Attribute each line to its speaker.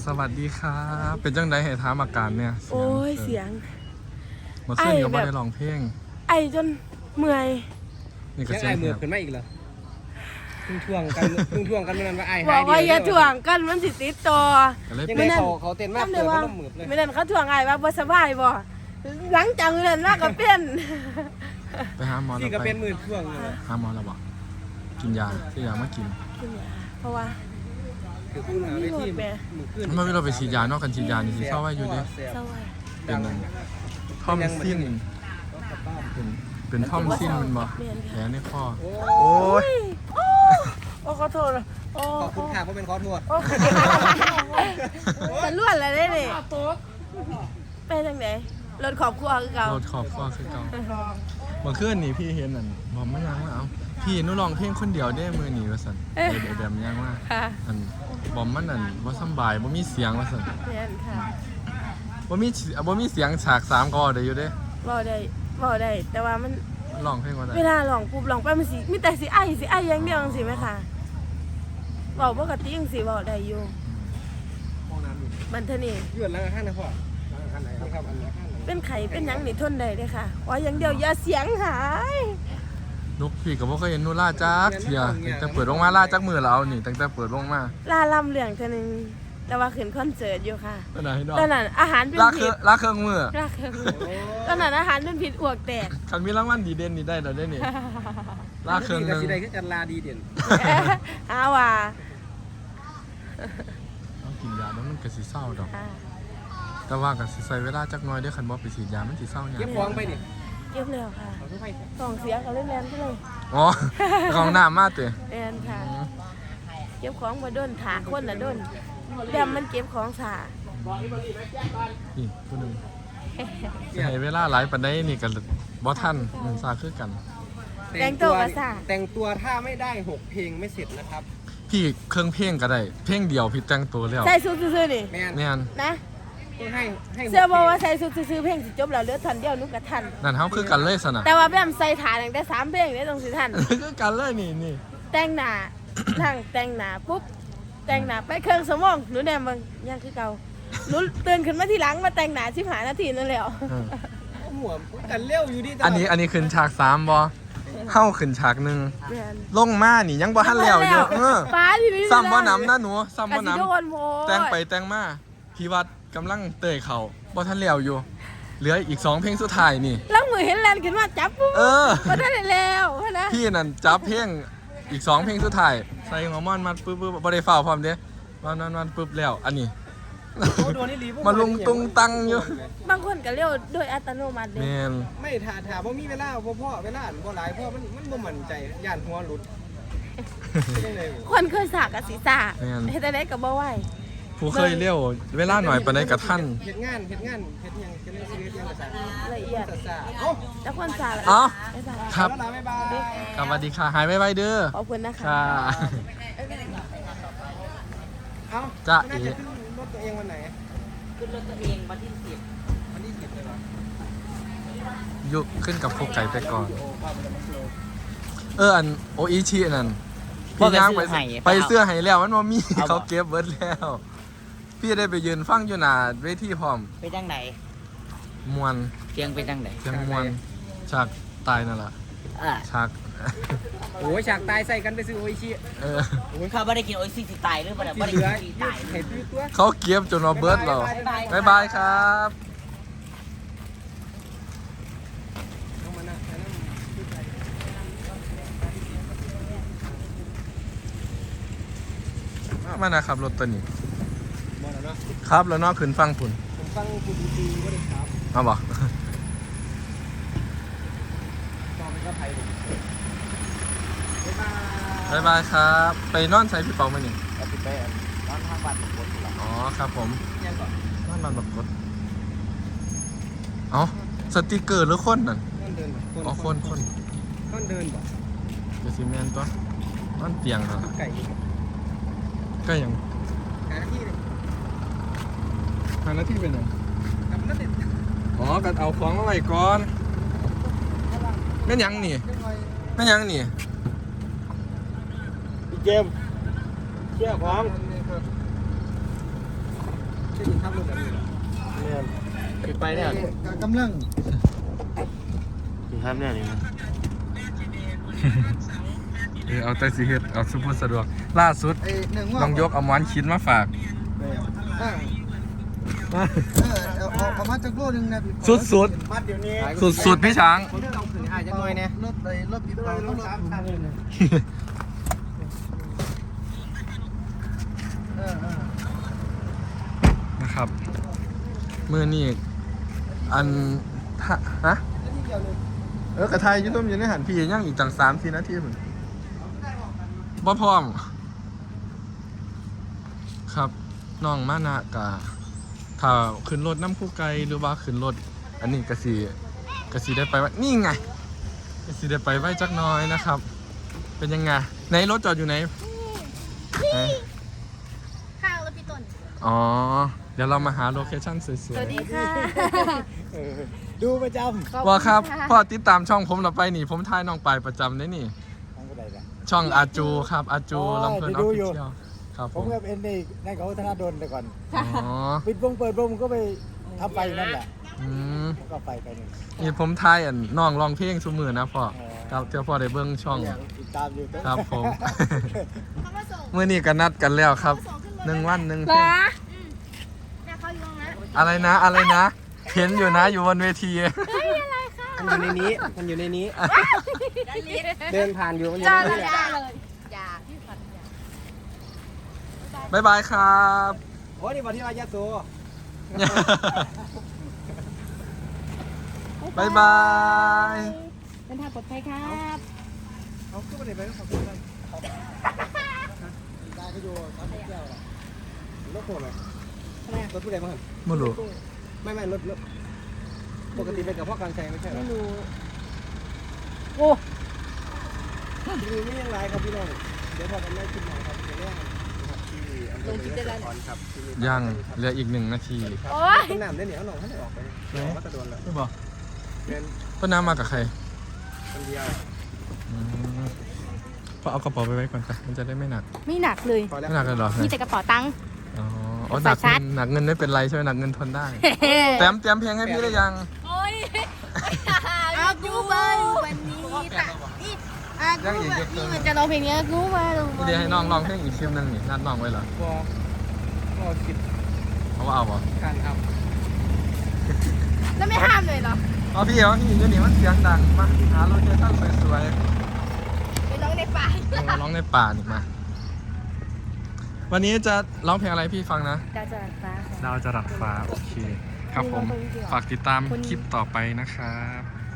Speaker 1: สวัสดีครับเป็นจังไดให้ถามอาการเนี่ย
Speaker 2: โอ้ยเสียง
Speaker 1: เมื่อคืนก็ไม่ได้ร้องเพลง
Speaker 2: ไอจนเมื่อย
Speaker 1: นี่ก็
Speaker 3: เสียงไอเมื่อยขึ้นมาอีกเหรอท่วงกันมันว่าไอหาย
Speaker 2: บอกว่าอย่าถ่วงกันมันสิติดต่อ
Speaker 3: ยังไงเขาเต้นมากเกินเขาต้องมืดเลย
Speaker 2: ไม่นั่นเขาถ่วงไอว่าบ่สบายบ่หลังจากนั้นมากก็เป็น
Speaker 1: ไปหาหมอแล้ว
Speaker 3: ที่ก็
Speaker 1: ไป
Speaker 3: เป็นมือท่วง
Speaker 1: หาหมอแล้วบอกกินยาซื้อยามากิน
Speaker 2: เพราะว่า
Speaker 3: คือคุณหาวิธีมือขึ้น
Speaker 1: เมื่อเราไปฉีดยานอกกันฉีดยานี่สิเศร้าไว้อยู่ดิเป็นนั่นท่อมซิ้นเป็นท่อมซิ้นมันบอกแผลในคอโอ้ย
Speaker 2: โอ้ขอโทษ
Speaker 3: ขอบคุณค่ะเพราะเป็นขอโทษ
Speaker 2: แต่ล้วนอะไรนี่ไปทางไหนรถขอบครัวคือเก่าร
Speaker 1: ถขอบครัวคือเก่าเมื่อคืนนี่พี่เห็นนั่นบอกไม่ยังว่าเอาพี่นุร้องเพลงคนเดียวได้มือหนีว่าสันเดี๋ยวแบบยังว่าอันบอมมันนั่นว่าสบายว่ามีเสียงว่าสันว่ามีเสียงฉาก3ก็ได้อยู่เด้
Speaker 2: บ่ได้แต่ว่ามัน
Speaker 1: ร้องเพลงว่าได้
Speaker 2: เวลาร้องปุ๊บร้องไปมันสิมีแต่สิไออย่างเดียวจังซี่มั้ยค่ะเว้าปกติจังซี่เว้าได้อยู่มันเท่านี้
Speaker 3: ยืดแล้วข้างนะพ่อข้างไหนครับอันนี้ข้างไหน
Speaker 2: เป็นไข่เป็นหยังนี่ทนได้เด้ค่ะว่าอย่างเดียวอย่าเสียงหาย
Speaker 1: นุกพี่ก็บ่เคยเห็นนูล่าจักเสียตั้งแต่เปิดวงมาล่าจักมือแล้วนี่ตั้งแต่เปิดวงมา
Speaker 2: ล่าลำเรื่องเท่านึงแต่ว่าขึ้นคอนเสิร์ตอยู่ค่ะตอนนั้นอาหารเป็น
Speaker 1: ผิดล่าเครื่องมือ
Speaker 2: ตอนนั้นอาหารเป็นผิดอ้วกแตก
Speaker 1: คันมีรางวัลดีเด่นนี่ได้แล้วได้นี่ล่าเครื่องนึง
Speaker 3: สิได้คือจันลาดีเด่น
Speaker 2: ว่า
Speaker 1: ต้องกินยาแล้วมันก็สิเศร้าดอกแต่ว่าก็สิใส่เวลาจักหน่อยเด้อคันบ่ไปฉีดยามันสิเศร้าหยัง
Speaker 3: เก็บของไปนี่
Speaker 2: เก็บแล้วค่ะของเสียก็เล่นแรงไปเลย
Speaker 1: อ๋อของน้ำมาเตะ
Speaker 2: แอนค่ะเก็บของมาด้นถาคนละด้นเดี๋ยวมันเก็บของสา
Speaker 1: นี่ผู้หนึ่งใช้เวลาหลายปันได้นี่กันบอทันมันซาคือกัน
Speaker 2: แต่งตัวสา
Speaker 3: แต่งตัวถ้าไม่ได้6เพลงไม่เสร็จนะครับ
Speaker 1: พี่เครื่องเพลงก็ได้เพลงเดียวพี่แต่งตัวแล้ว
Speaker 2: ใส่ชุดซื้อนี่
Speaker 1: แม่น
Speaker 2: นะ
Speaker 3: ให้
Speaker 2: เสื้อบอกว่าใส่ชุดซื้อเพลงสิจบแล้วเหลือทันเดียวนุกกับทัน
Speaker 1: นั่นเขาคือกันเลยสนะ
Speaker 2: แต่ว่าแบบใส่ฐานอย่างได้3เพลงได้ตรงสิทัน
Speaker 1: คือกันเลยนี่
Speaker 2: แต่งหน้าทางแต่งหน้าปุ๊บแต่งหน้าไปเครื่องสมองหนูแนมบางยังคือเก่าหนูตื่นขึ้นมาทีหลังมาแต่งหน้า15 นาทีนั่นแหละ
Speaker 3: หัวกันเร็วอยู่ดิ
Speaker 1: อันนี้ขึ้นฉาก3บ่เข้าขึ้นฉาก1ลงมานี่ยังบ่ทันแล้วอยู่
Speaker 2: ฟ้าทีนี้
Speaker 1: ซ้ำบ่น้ำนะหนูซ้ำบ่น้ำแต่งไปแต่งมาพี่วัดกำลังเตยเขาบ่ทันแล้วอยู่เหลืออีก2เพลงสุดท้ายนี่
Speaker 2: แล้วมือเห็นแลนขึ้นมาจับปุ๊บบ่ทันแล้วนะ
Speaker 1: พี่นั่นจับเพลงอีก2เพลงสุดท้ายใส่หัวมันมาปึ๊บบ่ได้ฟ้าวพร้อมเด้มันปึ๊บแล้วอันนี้มาลุงตุงตังอยู่
Speaker 2: บางคนก็เลี้ยวโดยอัตโนมัติเลย
Speaker 3: ไม่ถ่าเพราะมีเวลาพ่อเวลาบ่หลายพ่อมันบ่มั่นใจย่านหัวหลุด
Speaker 2: คนเคยสากกับศีรษะเฮ็ดได้ก็บ่ไหว
Speaker 1: ผู้เคยเลี้ยวเวลาหน่อยปานใดก็ทัน
Speaker 3: เฮ็ดงานเฮ็ดหยังจะได้ชีวิตยังภาษา
Speaker 2: ละเอียดแล้วคนสาละ
Speaker 1: ครับ
Speaker 3: บ๊ายบาย
Speaker 1: สวัสดีค่ะหายไวๆเด้อ
Speaker 2: ขอบคุณนะคะ
Speaker 1: จ้า
Speaker 3: รถตัวเองวันไหน
Speaker 4: ขึ้นรถตัวเองวันที่10
Speaker 3: เลยเหรอ
Speaker 1: ยุขึ้นกับพวกไก่ไปก่อนอันโออิชินั่นพี่ย่างไปเสื้อให้แล้วมันบ่มีเขาเก็บเบิดแล้วพี่ได้ไปยืนฟังอยู่หน้าเวทีพร้อม
Speaker 4: ไปจังไหน
Speaker 1: มวน
Speaker 4: เสียงไปจังไหน
Speaker 1: เสียงมวนฉากตายนั่นแหละฉาก
Speaker 3: โอ้ยฉากตายใส่กันไปซื้อโออิชิ
Speaker 4: โอ้ยเขาไม่ได้กินโออิชิตายหรือเปล่าไม่ได้กินตาย
Speaker 1: เขาเก็บจนเราเบิดเราบ๊ายบายครับมานะครับรถตัวนี้ครับแล้วนอกขึ้นฟังผุน
Speaker 3: ผมฟังคุณดีก็ได้ครับ
Speaker 1: มาบอกบ๊ายบายครับไปนอนใช้พี่เปาไหมนี่
Speaker 3: ไปนอนทางบ้านกด
Speaker 1: อ๋อครับผมนอนบ้านกดอ๋อสติกเกอร์หรือคนนั่นอ๋อคน
Speaker 3: เดินบ่
Speaker 1: จะซีเมนต์ตัวนอนเตียงเหรอก็ยัง
Speaker 3: หาหน้าที่เลย
Speaker 1: หาหน้าที่เป็นไงอ๋อกันเอาของมาไว้ก่อนแม่ยังนี่
Speaker 3: เกมเชี่ยวของไปเนี่ย
Speaker 5: กำลัง
Speaker 3: ครับเนี่ยนี่
Speaker 1: เอาแต่สิเฮ็ดเอาสุภาพสะดวกล่าสุด
Speaker 5: ไอ้หนึ่งว่า
Speaker 1: น้องยกเอาหมอนชิ้นมาฝาก
Speaker 5: เอามาจากโลนึงนะ
Speaker 1: สุด
Speaker 3: มัดเดี๋ยวนี้
Speaker 1: สุดพี่ช้าง
Speaker 3: ผมจะเอาขึ้นหายจังหน่อยเนี่ย
Speaker 5: รถไอ้รถปิดเบาต้องรถ
Speaker 1: นะครับมือนี่อันฮะกระทายยุ่มอยู่ในหันพี่ยังอีกจัง3-4 นาทีเหมือนบ่พร้อมครับน้องมานะกะถ้าขึ้นรถน้ำคู่ไกลหรือว่าขึ้นรถอันนี้กะสีได้ไปว่านี่ไงกะสีได้ไปไว้จักหน้อยนะครับ เป็นยังไงในรถจอดอยู่ไหน
Speaker 2: ข้างแล้วพี่ต้น
Speaker 1: อ๋อเดี๋ยวเรามาหาโลเคชั่นสวย
Speaker 2: สวัสดีค่ะ
Speaker 3: ดูประจ
Speaker 1: ๆว่าครับพ่อติดตามช่องผมเราไปนี่ผมทายน้องไปประจำได้นี่
Speaker 3: ำทั้งอะไรกัน
Speaker 1: ช่องอาจูครับอาจูลำเพลินออฟฟิเชียลครับ
Speaker 3: ผ
Speaker 1: ผม ม
Speaker 3: ก็เป็นในเขาธนาดลแต่ก่อน
Speaker 1: อ๋อ
Speaker 3: ปิดวงเปิดวงก็ไปทำไปนั่นแหละ
Speaker 1: อืม
Speaker 3: ผมก็ไปหนึ่ง
Speaker 1: นี่ผมทายน้องร้องเพลงซุมือนะพ่อครับเจ้าพ่อได้เบิ้งช่อง
Speaker 3: ติดตามอยู่
Speaker 1: ครับผมเมื่อนี้ก็นัดกันแล้วครับ1 วัน 1 เพลง
Speaker 2: เนี่ยเขาอยู่ตรงนั้น
Speaker 1: อะไรนะเห็นอยู่นะอยู่บนเวที
Speaker 3: มันอยู่ในนี้มันอยู่ในนี้ เดินผ่านอยู่มันอยู่
Speaker 2: จ้า
Speaker 3: ใน
Speaker 2: เลย
Speaker 3: นี้
Speaker 2: จ้าเลยอย่าพี่ฝันอย่า
Speaker 1: บ๊ายบายครับ
Speaker 3: โอ้นี่มาที่วายาโซ
Speaker 1: บ๊ายบาย
Speaker 2: เป็นทางปลอดภัยครับ
Speaker 3: เขาขึ้นมาไหนไปเขาขึ้นมาได้ก็อยู่ตามเที่ยวรถโผล่ไหมรถผู้ใดบ้าง
Speaker 1: ไม่รู้
Speaker 3: ไม่รถปกติเป็นกับพ่อการแซงไม่ใช่หรอ
Speaker 2: ไม่รู้โอ้
Speaker 3: มีไม่ยังไรครับพี่น้องเดี๋ยวพอกันได้ขึ้นมาครับจะแรกลงจิตได้ครับ
Speaker 1: ยังเหลืออีก1 นาที
Speaker 2: โอ้ย
Speaker 3: ต้นน้ำได้เหนียวหน่อยให้ออกไปก็จะโดนแล้ว
Speaker 1: ไม่บอก
Speaker 3: เป็น
Speaker 1: ต้นน้ำมากับใคร
Speaker 3: คนเดียว
Speaker 1: อืมพอเอากระเป๋าไปไว้ก่อนค่ะมันจะได้ไม่หนัก
Speaker 2: ไม่หนักเลย
Speaker 3: พอแล้ว
Speaker 1: ไม่หนักเลยเหรอ
Speaker 2: มีแต่กระเป๋าตังค์
Speaker 1: อ๋อหนักเงินหนักเงินไม่เป็นไรใช่ไหมหนักเงินทนได้เตรียมเพลงให้พี่ได้ยัง
Speaker 2: โอ้ยอากูมาวันนี้แต่นี่อากูมานี่มันจะร้องเพลงนี้อากูมาลง
Speaker 1: เดี๋ยวให้น้องร้องเพลงอีกคลิปหนึงนี่นัดน้องไว้เหรอ
Speaker 3: บอกก็คิด
Speaker 1: เขาว่าเอาบ่
Speaker 3: การท
Speaker 2: แล้วไม่ห้ามเลยเหรอ
Speaker 1: เอาพี่เอาพี่เดี๋ยวนี้มันเสียงดังมาหาโลเคชั่นสวย
Speaker 2: ไปร้องในป่า
Speaker 1: ๆร้องในป่านี่มา วันนี้จะร้องเพลงอะไรพี่ฟังนะ
Speaker 2: ดาวจรัสฟ้า
Speaker 1: ดาวจรัสฟ้าโอเค ครับผมฝากติดตามคลิปต่อไปนะครับ